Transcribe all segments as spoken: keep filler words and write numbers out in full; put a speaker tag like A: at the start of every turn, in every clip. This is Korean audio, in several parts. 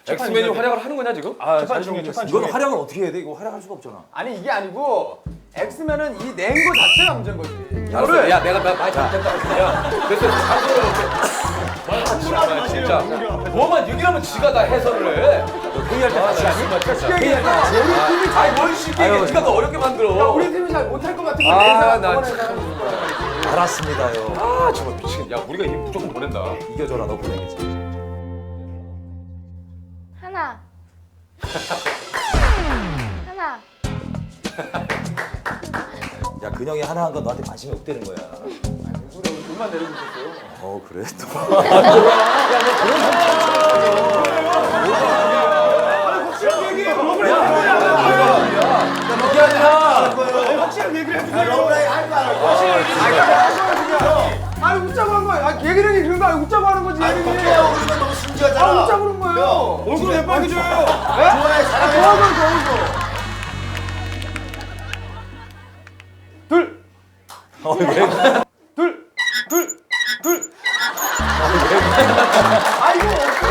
A: 엑스맨이 활약을 하는 거냐 지금?
B: 아, 재판 중에 재판 중에.
C: 이건 활약을 어떻게 해야 돼? 이거 활약할 수가 없잖아.
B: 아니 이게 아니고 엑스맨은 이 낸 거 자체가 문제인 거지.
A: 알았어. 야 내가 나 많이 잘못했다고 그냥 됐어. 자수를 아 진짜 뭐만 얘기하면 지가 다 해설을 해.
C: 회의할 때 같이 하니?
B: 회의할 때 같이.
A: 우리 팀이 잘 뭘 쉽게 얘기해. 지가 더 어렵게 만들어.
B: 우리 팀이 잘 못할 것 같은 거
A: 아,
B: 내서
A: 나 참.
C: 알았습니다,요.
A: 아 정말 미치겠. 야 우리가 이 무조건 보낸다.
C: 이겨줘라, 너 보내겠지.
D: 하나. 하나.
C: 야, 근영이 하나 한 건 너한테 관심이 없다는 거야.
B: 돈만 내리고 있었어요.
C: 어, 그래? 또.
A: 그게 아니라.
B: 확실한 얘기를 해주세요. 아니 웃자고 한 거야. 아 얘기를 그런 거 아니 웃자고 하는 거지.
E: 아니 어때요? 우리가 너무 순지하잖아.
B: 아 웃자고 그런 거예요. 얼굴 왜 빨개져요?
E: 좋아해, 사랑해.
B: 좋아하면 좋아하고. 둘.
C: 어, 왜?
B: 둘. 둘. 둘. 아이고.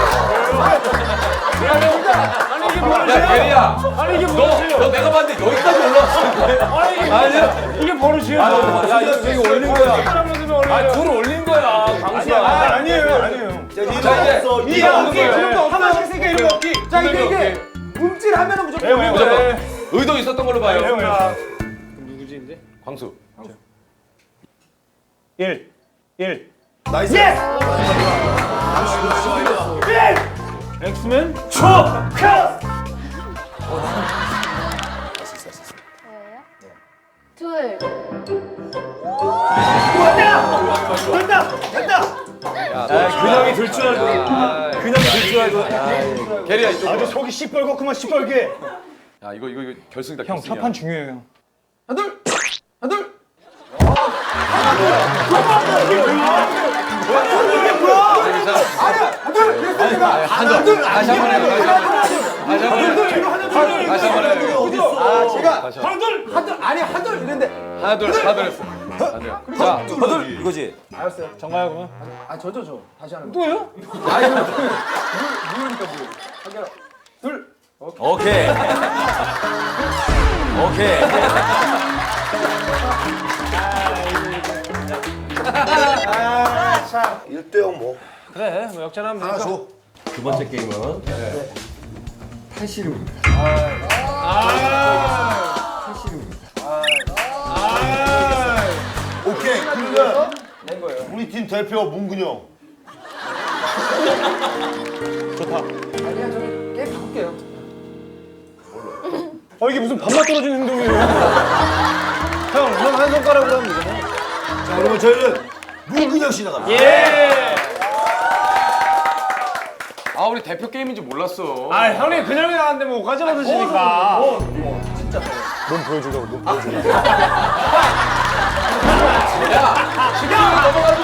A: 아니 이게 뭐야? 야 예리야. 아니 이게 뭐야? 너, 너 내가 봤는데 여기까지 올라왔어. 아니 아니야. 이게 버릇이야. 야 이거 이거 올린 거야. 아 둘 올린 거야. 강수야.
B: 아니에요. 아니에요.
A: 자 이제
B: 이게 없기. 그런 거 하나씩 생겨 이런 거 없기. 자 이게 이게 움찔하면은 무조건 올린
A: 무조건
B: 거예요.
A: 의도 있었던 걸로 봐요.
F: 누구지 이제?
A: 광수.
F: 일. 일.
E: 나이스.
F: 엑스맨?
D: 뭐예요? 둘.
F: 근영이 들 줄 알고.
A: 근영이 들 줄 알고. 게리야 이쪽.
F: 아주 속이 시뻘겋구만 시뻘게.
A: 야 이거 이거 이거 결승이다.
F: 형
A: 결승이야.
F: 첫판 중요해요.
B: 하나 둘. 하나 둘.
A: 한둘 다시 한번 해. 다시 한번 해. 다시 한번 해.
B: 아 제가
A: 다시
B: 한둘 한둘 아니 한둘 이랬는데
A: 하나 둘 하나 둘 했어. 하나 둘. 자
C: 허들! 이거지?
B: 알았어요.
F: 정가요 그러면?
B: 아 저죠 저 다시 하는 거.
F: 또요?
B: 아니 누구니까 뭐. 하나 둘.
C: 오케이. 오케이.
E: 일 대 영 뭐.
F: 그래 뭐 역전하면
E: 하나
F: 되니까.
E: 줘.
G: 두 번째 게임은 팔씨름입니다.
E: 오케이. 그러면
B: 낸 거예요.
E: 우리 팀 대표 문근영.
B: 아니 그냥 저기 게임 바꿀게요.
F: 아 이게 무슨 밥맛 떨어지는 행동이에요. 형, 형 한 손가락으로 하면 되잖아.
E: 자, 그러면 저희는 문근영 씨 나갑니다.
F: 예.
A: 아 우리 대표 게임인지 몰랐어.
F: 아 형님 근영이 나왔는데 뭐 가져가 드시니까.
A: 심리전에 넘어가지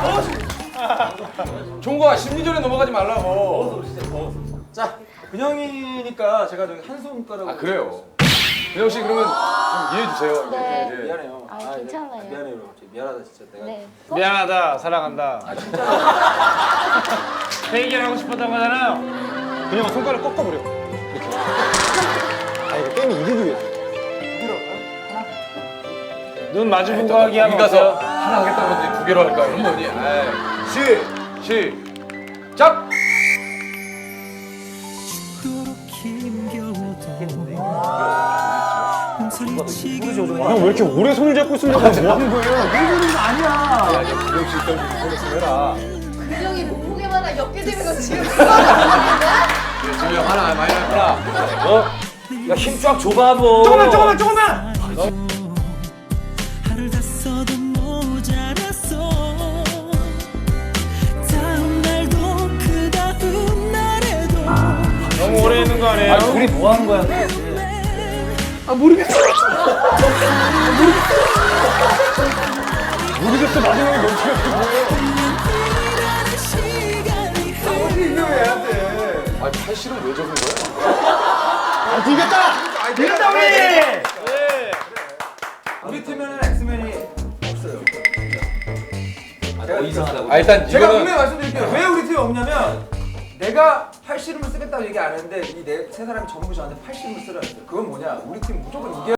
A: 마. 종거야 심리전에 넘어가지 말라고.
B: 자 근영이니까 제가 저기 한 손가락.
A: 아 그래요. 근영 씨 그러면 좀 이해해 주세요.
D: 네.
A: 예.
B: 미안해요.
D: 아, 괜찮아요.
B: 미안해요. 미안하다 진짜 내가.
D: 네.
F: 미안하다 사랑한다. 아 진짜. 회의견 하고 싶었던 거잖아요. 그냥 손가락 꺾어버려. 이렇게. 아 이거 게임이 이기기 위해서. 눈 마주보고 하기 하면
A: 여기 가서
F: 어때요?
A: 하나 하겠다는 건지 두 개로 할까 이런 거니. 에이. 시 시작.
F: 형 왜 이렇게 오래 손을 잡고 있습니까? 뭐 하는 거예요?
D: 근육이 몸무게마다 엮게 되면서 지금 수학을
A: 지금 하나 많이 하나.
C: 어? 야, 힘 쫙 줘봐, 뭐.
F: 조금만 조금만 조금만.
H: 하늘 다 써도 모자랐어. 다음 날도 그 다음 날에도
F: 너무 오래 있는 거 아니에요?
C: 아니, 우리 뭐 하는 거야?
F: 모르겠어 마지막에 멈춰야
H: 시간이
B: 이겨야 돼.
A: 아 팔씨름 왜 적은 거야?
F: 돼. 이겼다. 이겼다 우리.
B: 우리 팀에는 엑스맨이 없어요.
C: 아, 더 이상하다고.
A: 아 일단
B: 제가
A: 이거는
B: 분명히 말씀드릴게요. 왜 우리 팀이 없냐면 내가 팔씨름을 쓰겠다고 얘기 안 했는데 이 네 세 사람이 전부 저한테 팔씨름을 쓰라 했어요. 그건 뭐냐? 우리 팀 무조건 이겨.